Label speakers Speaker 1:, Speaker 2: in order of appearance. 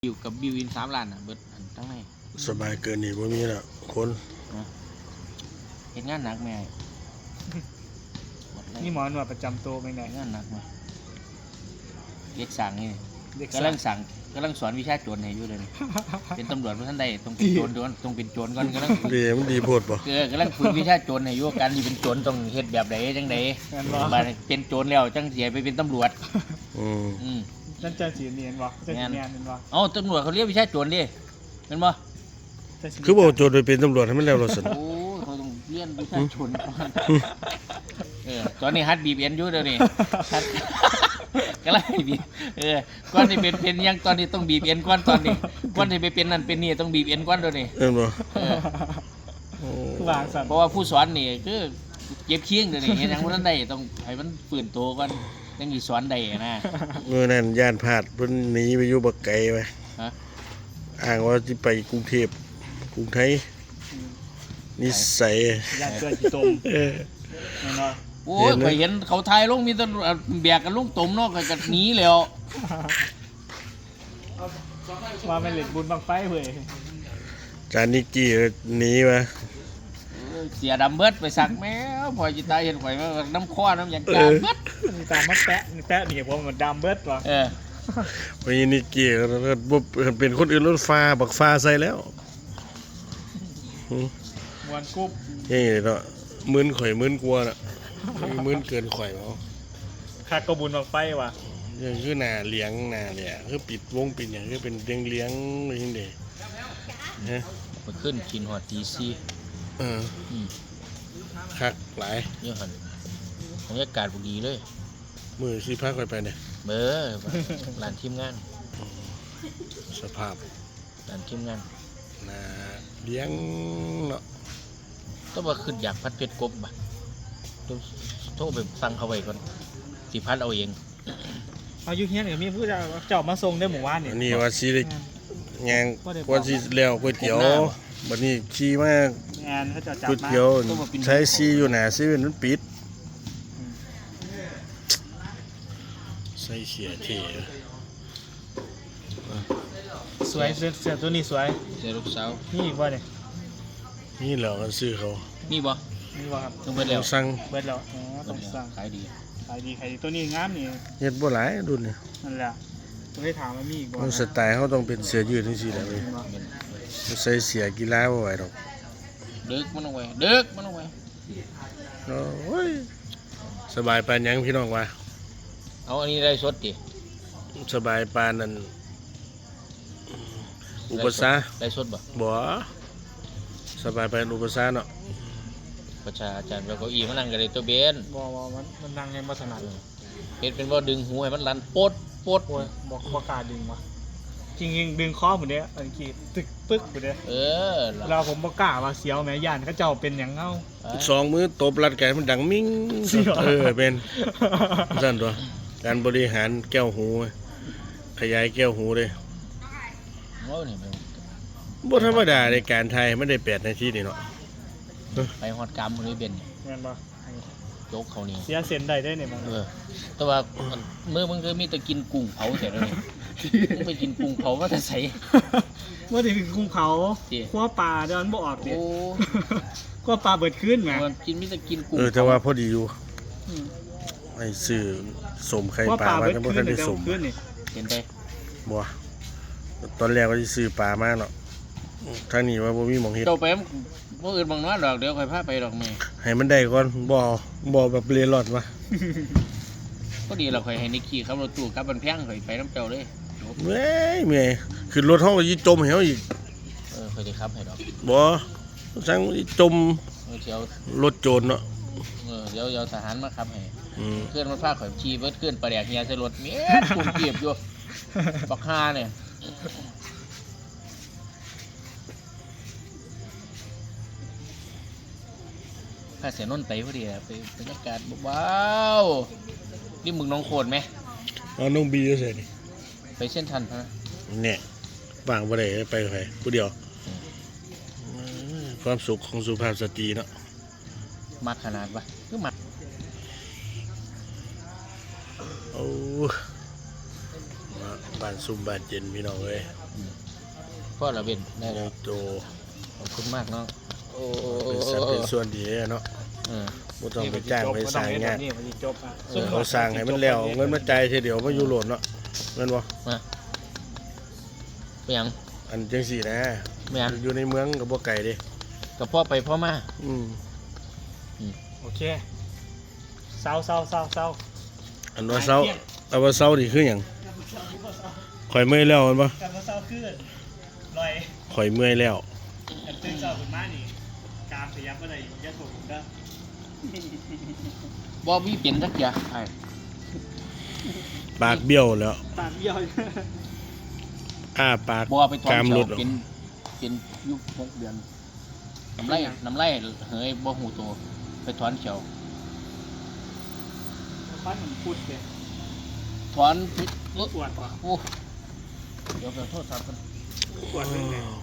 Speaker 1: อยู่กับบิวอิน3 ล้านเบิดอันทั้งใน
Speaker 2: สบายเกินนี่บ่มีละคน
Speaker 1: เฮ็ดงานหนักแม่
Speaker 3: นี่หมอนวดประจำตัวไปไหน
Speaker 1: งานหนักมาเด็กสั่งนี่กำลังสอนวิชาโจรให้อยู่เลยเป็นตำรวจเมื่อท่านใดต้องเป็นโจรก่อนต้องเป็นโจรก่อนกำลัง
Speaker 2: มันดีโพดบ่
Speaker 1: กำลังฝึกวิชาโจรให้อยู่การที่เป็นโจรต้องเฮ็ดแบบใดจังใดมาเป็นโจรแล้วจังเสียไปเป็นตำรวจ
Speaker 3: นั่นจะสีเนียนวะจะสีเนียนเป็นวะ
Speaker 1: เอ้าตำรวจเขาเรียกวิชาโจรดิเป็นบ่
Speaker 2: คือบ่โจรไปเป็นตำรวจให้มันแล้วล่ะซั่น
Speaker 1: โอ้เขาต้องเรียนวิชาโจรก่อนตอนนี้ฮัดบีบเอ็นอยู่เดี๋ยวนี้ก็ไล่บีบก่อนที่เป็นยังตอนนี้ต้องบีบเอ็นก่อนตอนนี้ก่อนที่ไปเป็นนั่นเป็นนี่ต้องบีบเอ็นก่อนเดี๋ยวนี้
Speaker 2: บ่
Speaker 3: วางสั่น
Speaker 1: เพราะว่าผู้สอนนี่คือเก็บเคียงเดี๋ยวนี้เฮ็ดหยังบ่ทันได้ต้องให้มันฟื้นตัวก่อนจังสิสอนได้นะ
Speaker 2: มื้อนั้นย่านพลาดเพิ่นหนีไปอยู่บักไกลไปอ้างว่าสิไปกรุงเทพกรุงไทยนิสัย
Speaker 3: ย่านเกินตมแม่นบ่
Speaker 1: โอ้ยข่อยเห็นเขาถ่ายลงมีแต่แบกกันลงตมเนาะก็หนีแล้ว
Speaker 3: ว่าแม่นเล่นบุญบังไฟเว้ย
Speaker 2: จานนิกกี้หนีมา
Speaker 1: เสียดำเบิดไปสักแมวพอจิตายเห็นข่อยน้ำข้อน้ำอย่างจางเบิด
Speaker 3: นี่ตามมาแตะนี่ผมมันดำเบิดว่ะ
Speaker 2: วันนี้นิกกี้บ่เป็นคนอื่นรถฟ้าบักฟ้าใส่แล้ว
Speaker 3: มวนกุ๊บ
Speaker 2: นี่เนาะมื้นข่อยมื้นกลัวน่ะมื้นเกินข่อยเอา
Speaker 3: คักก็บุญบังไฟว่ะ
Speaker 2: คือหน้าเลี้ยงหน้าเนี่ยคือปิดวงปิดหยังคือเป็นเลี้ยงเลยจังได๋ฮะ
Speaker 1: ไปขึ้นกินฮอดตี4
Speaker 2: คักหลาย
Speaker 1: เยอะหั่นบรรยากาศบ่ดีเลย
Speaker 2: มื้อสิพาข่อยไปเนี่ย
Speaker 1: ร้านทีมงาน
Speaker 2: สภาพ
Speaker 1: ร้านทีมงาน
Speaker 2: น่าเลี้ยงเนาะ
Speaker 1: ต้องว่าขึ้นอยากพัดเพชรกบบ่โทรไปสั่งเขาไว้ก่อนสิพัดเอาเอง
Speaker 3: เอาอยู่เฮียนก็มีผู้เจ้ามาส่งได้หมู่บ้านนี่
Speaker 2: นี่ว่าสิได้ย่างว่าสิแล้วก๋วยเตี๋ยวบัดนี้ขี่มาง
Speaker 3: านเขาจะจับ
Speaker 2: ก๋วยเตี๋ยวใช้ซีอยู่หน้าเซเว่นมันปิดใส่เสียเท่
Speaker 3: สวยเสื้อตัวนี้สวย
Speaker 1: เสื้อลูกสาว
Speaker 3: นี่บ่เนี่ย
Speaker 2: นี่แหละกันซื้อเขา
Speaker 1: นี่บ่
Speaker 3: ครับ
Speaker 1: ต้องเบิดแล้ว
Speaker 2: สั่ง
Speaker 3: เบิดแล้วต้องสั่ง
Speaker 1: ขายดี
Speaker 3: ตัวนี้งามนี่
Speaker 2: เฮ็ดบ่หลายรุ่นนี่
Speaker 3: นั่นแหละต้องได้ถามว่ามีอีกบ่
Speaker 2: สไตล์เขาต้องเป็นเสื้อยืดจังซี่แหละเว้ยใส่เสื้อกีฬาบ่ไหวดอก
Speaker 1: ดึกมันเอาไว้
Speaker 2: โอ้ยสบายปานหยังพี่น้องว่า
Speaker 1: เอาอันนี้ได้สดดิ
Speaker 2: สบายปานนั้นอุปสรรค
Speaker 1: ได้สดบ่
Speaker 2: สบายปานอุปสรรคเนาะ
Speaker 1: ประชาอาจารย์แล้วก็อีมันนั่งกันเลยตัวเบน
Speaker 3: บ่มันนั่งยังบ่ถนัด
Speaker 1: เฮ็ดเป็นว่าดึงหูให้มันลั่นปด
Speaker 3: บ่กล้าดึงว่ะจริงๆดึงคอหมดเด้อันกี้ตึกปึ๊กหมดเด้เราผมบ่กล้าว่าเสียวแม่ย่านเขาเจ้าเป็นหยังเอ้า
Speaker 2: 2มือตบรัดแขนมันดังมิ้งเป็นซั่นตัวการบริหารแก้วหูขยายแก้วหูเด้บ่ธรรมดาในการไทยมันได้8 นาทีนี่เนาะ
Speaker 1: ไปฮอดกรรมมื้อนี้เป็น
Speaker 3: แม่นบ่
Speaker 1: ยกเขานี่
Speaker 3: เสียเส้นได้เนี่ยมัน
Speaker 1: แต่ว่ามื้อมึงก็มีแต่กินกุ้งเผาเสร็จแล้วนี่มึงไปกินกุ้งเผาว่าแต่ไส
Speaker 3: ว่าสิกินกุ้งเผาคั่วปลาเดี๋ยวมันบ่ออกดิคั่วปลาเบิดคืนแหม
Speaker 1: กินมีแต่กินกุ้ง
Speaker 2: แต่ว่าพอดีอยู่ไอ้ซื้อสมไข่ปลามาแต่บ่ทันได้สม
Speaker 1: เห็นไป
Speaker 2: บ่ตอนแรกว่าสิซื้อปลามาเนาะทางนี้ว่าบ่มีหม่องเฮ็ด
Speaker 1: เจ้าไปบ่อื่นบางน้อยดอกเดี๋ยวค่อยพาไปดอกแม่
Speaker 2: ให้มันได้ก่อนบ่แบบเร่ร่อนวะ
Speaker 1: ก็ดีเราค่อยให้นิกกี้ขับรถตู้กลับบ้านแพงค่อยไปน้ำเจ้าเลย
Speaker 2: เมื่อยขึ้นรถเฮาสิจมให้เฮาอีก
Speaker 1: ค่อยสิขับให้ดอก
Speaker 2: บ่สั่งจมรถโจรเนาะ
Speaker 1: เดี๋ยวทหารมาขับให้เคลื่อนมันพาข่อยขี่เบิดเคลื่อนปลาแดกเฮียใส่รถแม่ปุ่มเก็บอยู่บักฮาเนี่ยข้าเสียนนไปพอดีไปบรรยากาศว้าวนี่มึงน้องโคตรไหม
Speaker 2: น้องบีก็เสร็จ
Speaker 1: ไปเส้นทันฮะ
Speaker 2: เนี่ยว่างบ่ได้ไปกับใครผู้เดียวความสุขของสุภาพสตรีเนาะ
Speaker 1: มักขนาดวะคือมัก
Speaker 2: โอ้บ้านซุ่มบ้านเย็นพี่น้องเอ้ย
Speaker 1: พ่อละเบนได้
Speaker 2: ใหญ่
Speaker 1: แล้ว
Speaker 2: โต
Speaker 1: ขอบคุณมากน้องโอ้
Speaker 2: เป็นสัตว์เป็นส่วนดีเนาะ
Speaker 1: เออ
Speaker 2: บ่ต้องไปจ้างไปสร้างงาน
Speaker 3: นี่มันสิจบอ่ะ
Speaker 2: เขาสร้างให้มันแล้วเอาเงินมาจ่ายทีเดียวมาอยู่โหลดเนาะแม่นบ่
Speaker 1: ไปยัง
Speaker 2: อันจังซี่นะ
Speaker 1: ไม่อัน
Speaker 2: อยู่ในเมืองก็บ่ไกลเด้
Speaker 1: กับพ่อไปพ่อมา
Speaker 2: อืม
Speaker 3: โอเคเศร้า
Speaker 2: อันว่าเซาอันว่าเซานี่คือหยังข่อยเมื่อยแล้วแม่นบ่
Speaker 3: กลับมาเศร้าขึ้นลอย
Speaker 2: ข่อยเมื่อยแล้ว
Speaker 3: อันตื่นเช้าขึ้นมานี่กามขยับอะไรยัดผมก็
Speaker 1: บ่มีเปลี่ยนสักอย่างไอ้
Speaker 2: ปากเบี้ยวแล้ว
Speaker 3: ตามเยี่ยว
Speaker 2: อ้าปาก
Speaker 1: บ่ไปถอน
Speaker 2: กาม
Speaker 1: เขี
Speaker 2: ห
Speaker 1: ย
Speaker 2: ลุ
Speaker 1: ว
Speaker 2: ดออก
Speaker 1: เป็นยุค6 เดือนน้ำไรเฮ้ยบ่หูตัวไปถอนเขียว
Speaker 3: ฟันมันพุดเลย
Speaker 1: ถอน
Speaker 3: ปวดว่ะ
Speaker 1: โอ้เดี๋ยวไปโทษครับ
Speaker 3: ปวดเรื่องไหน